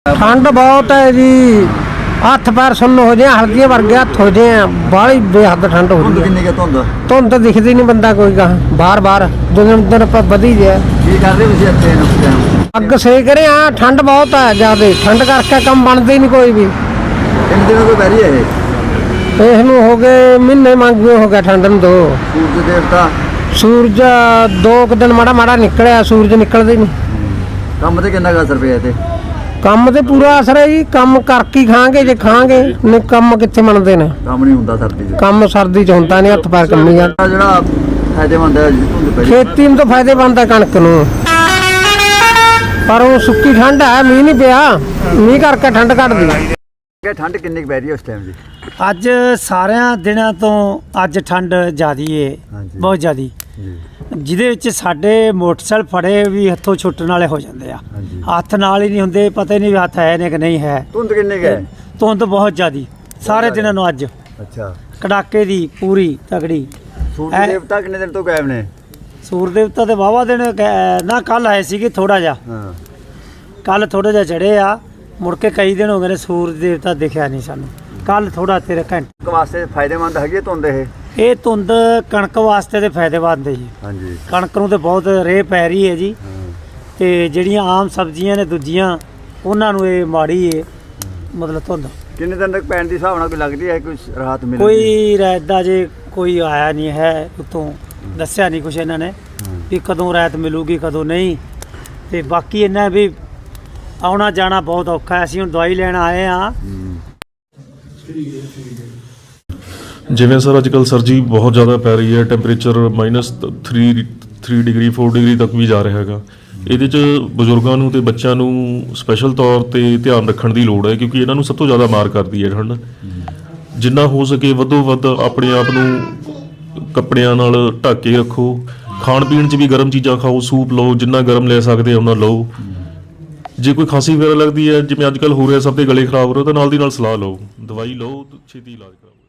ठंड बहुत है जी, हथ पैर सुन्न हो जाए, हल्दियां वर्गे हथ हो जाए, बाली बेहद ठंड हो रही है। धुंध दिखती नहीं, बंदा कोई कहा बार बार दिन दिन बधी जाए। अग सेक रहे हैं, ठंड बहुत है ज्यादा, ठंड करके कम बनते ही नहीं कोई भी। इसनू हो गए महीने मंगे हो गया ठंड में। दो सूरज देवता सूरज 2 दिन माड़ा माड़ा निकलिया, सूरज निकलते नहीं। ਕੰਮ ਤੇ ਕਿੰਨਾ असर ਪਿਆ ਤੇ ਕੰਮ ਤੇ ਪੂਰਾ ਅਸਰ ਹੈ ਜੀ, ਕੰਮ ਕਰਕੇ ਖਾਂਗੇ ਜੇ ਖਾਂਗੇ, ਨਹੀਂ ਕੰਮ ਕਿੱਥੇ ਮੰਨਦੇ ਨੇ। ਕੰਮ ਨਹੀਂ ਹੁੰਦਾ ਸਰਦੀ 'ਚ, ਕੰਮ ਸਰਦੀ 'ਚ ਹੁੰਦਾ ਨਹੀਂ, ਹੱਥ ਪੈਰ ਕੰਮੀ ਜਾਂਦਾ। ਜਿਹੜਾ ਫਾਇਦੇਮੰਦ ਹੈ ਧੁੰਦ ਪੈ ਖੇਤੀ ਨੂੰ ਤਾਂ ਫਾਇਦੇਮੰਦ ਹੈ ਕਣਕ ਨੂੰ, ਪਰ ਉਹ ਸੁੱਕੀ ਠੰਡ ਹੈ, ਮੀਂਹ ਨਹੀਂ ਪਿਆ, ਮੀਂਹ ਕਰਕੇ ਠੰਡ ਘਟਦੀ ਹੈ। ਠੰਡ ਕਿੰਨੀ ਕੁ ਪੈ ਰਹੀ ਹੈ ਉਸ ਟਾਈਮ ਜੀ? ਅੱਜ ਸਾਰਿਆਂ ਦਿਨਾਂ ਤੋਂ ਅੱਜ ਠੰਡ ਜ਼ਿਆਦੀ ਏ, ਬਹੁਤ ਜ਼ਿਆਦੀ, ਜਿਹਦੇ ਵਿੱਚ ਸਾਡੇ ਮੋਟਰਸਾਈਕਲ ਫੜੇ ਵੀ ਹੱਥੋਂ ਛੁੱਟਣ ਵਾਲੇ ਹੋ ਜਾਂਦੇ ਆ। ਹੱਥ ਨਾਲ ਹੀ ਨਹੀਂ ਹੁੰਦੇ, ਪਤਾ ਹੀ ਨਹੀਂ ਵੀ ਹੱਥ ਹੈ ਨੇ ਕਿ ਨਹੀਂ ਹੈ। ਧੁੰਦ ਕਿੰਨੀ ਕੁ ਹੈ? ਧੁੰਦ ਬਹੁਤ ਜ਼ਿਆਦੀ ਸਾਰੇ ਦਿਨਾਂ ਨੂੰ ਅੱਜ ਅੱਛਾ, ਕੜਾਕੇ ਦੀ ਪੂਰੀ ਤਗੜੀ। ਸੂਰਜ ਦੇਵਤਾ ਕਿੰਨੇ ਦਿਨ ਤੋਂ ਗਾਇਬ ਨੇ? ਸੂਰਜ ਦੇਵਤਾ ਤੇ ਵਾਹਵਾ ਦਿਨ ਨਾ, ਕੱਲ ਆਏ ਸੀਗੇ ਥੋੜਾ ਜਿਹਾ, ਹਾਂ ਕੱਲ ਥੋੜਾ ਜਿਹਾ ਚੜੇ ਆ, ਮੁੜ ਕੇ ਕਈ ਦਿਨ ਹੋ ਗਏ ਨੇ ਸੂਰਜ ਦੇਵਤਾ ਦਿਖਿਆ ਨਹੀਂ ਸਾਨੂੰ। ਕੱਲ ਥੋੜਾ ਤੇਰੇ ਘੰਟੇ ਵਾਸਤੇ ਫਾਇਦੇਮੰਦ ਹੈਗੀ ਹੈ ਧੁੰਦ ਇਹ ਧੁੰਦ ਕਣਕ ਵਾਸਤੇ ਤੇ ਫਾਇਦੇਮੰਦ ਹੈ ਜੀ। ਹਾਂਜੀ, ਕਣਕ ਨੂੰ ਤੇ ਬਹੁਤ ਰੇਹ ਪੈ ਰਹੀ ਹੈ ਜੀ, ਤੇ ਜਿਹੜੀਆਂ ਆਮ ਸਬਜ਼ੀਆਂ ਨੇ ਦੂਜੀਆਂ ਉਹਨਾਂ ਨੂੰ ਇਹ ਮਾੜੀ ਹੈ। ਮਤਲਬ ਧੁੰਦ ਕਿੰਨੇ ਦਿਨ ਤੱਕ ਪੈਣ ਦੀ ਹਿਸਾਬ ਨਾਲ ਕੋਈ ਲੱਗਦੀ ਹੈ, ਕੋਈ ਰਾਹਤ ਮਿਲੇਗੀ? ਕੋਈ ਰਾਇਦਾ ਜੇ ਕੋਈ ਆਇਆ ਨਹੀਂ ਹੈ, ਉਤੋਂ ਦੱਸਿਆ ਨਹੀਂ ਕੁਛ ਇਹਨਾਂ ਨੇ ਵੀ ਕਦੋਂ ਰਾਇਤ ਮਿਲੂਗੀ ਕਦੋਂ ਨਹੀਂ। ਤੇ ਬਾਕੀ ਇਹਨਾਂ ਵੀ ਆਉਣਾ ਜਾਣਾ ਬਹੁਤ ਔਖਾ ਹੈ। ਅਸੀਂ ਹੁਣ ਦਵਾਈ ਲੈਣ ਆਏ ਹਾਂ। ਜਿਵੇਂ ਸਰ ਅੱਜ ਕੱਲ੍ਹ ਸਰਦੀ ਬਹੁਤ ਜ਼ਿਆਦਾ ਪੈ ਰਹੀ ਹੈ, ਟੈਂਪਰੇਚਰ -3 ਡਿਗਰੀ 4 ਡਿਗਰੀ ਤੱਕ ਵੀ ਜਾ ਰਿਹਾ ਹੈਗਾ। ਇਹਦੇ 'ਚ ਬਜ਼ੁਰਗਾਂ ਨੂੰ ਤੇ ਬੱਚਿਆਂ ਨੂੰ ਸਪੈਸ਼ਲ ਤੌਰ 'ਤੇ ਧਿਆਨ ਰੱਖਣ ਦੀ ਲੋੜ ਹੈ, ਕਿਉਂਕਿ ਇਹਨਾਂ ਨੂੰ ਸਭ ਤੋਂ ਜ਼ਿਆਦਾ ਮਾਰ ਕਰਦੀ ਹੈ ਠੰਡ। ਜਿੰਨਾ ਹੋ ਸਕੇ ਵੱਧੋ ਵੱਧ ਆਪਣੇ ਆਪ ਨੂੰ ਕੱਪੜਿਆਂ ਨਾਲ ਢੱਕ ਕੇ ਰੱਖੋ। ਖਾਣ ਪੀਣ 'ਚ ਵੀ ਗਰਮ ਚੀਜ਼ਾਂ ਖਾਓ, ਸੂਪ ਲਓ, ਜਿੰਨਾ ਗਰਮ ਲੈ ਸਕਦੇ ਉਹਨਾਂ ਲਓ। ਜੇ ਕੋਈ ਖਾਂਸੀ ਵਗੈਰਾ ਲੱਗਦੀ ਹੈ, ਜਿਵੇਂ ਅੱਜ ਕੱਲ੍ਹ ਹੋ ਰਿਹਾ, ਸਭ ਦੇ ਗਲੇ ਖਰਾਬ ਹੋ ਰਹੇ, ਤਾਂ ਨਾਲ ਦੀ ਨਾਲ ਸਲਾਹ ਲਓ, ਦਵਾਈ ਲਓ, ਛੇਤੀ ਇਲਾਜ ਕਰਾਓ।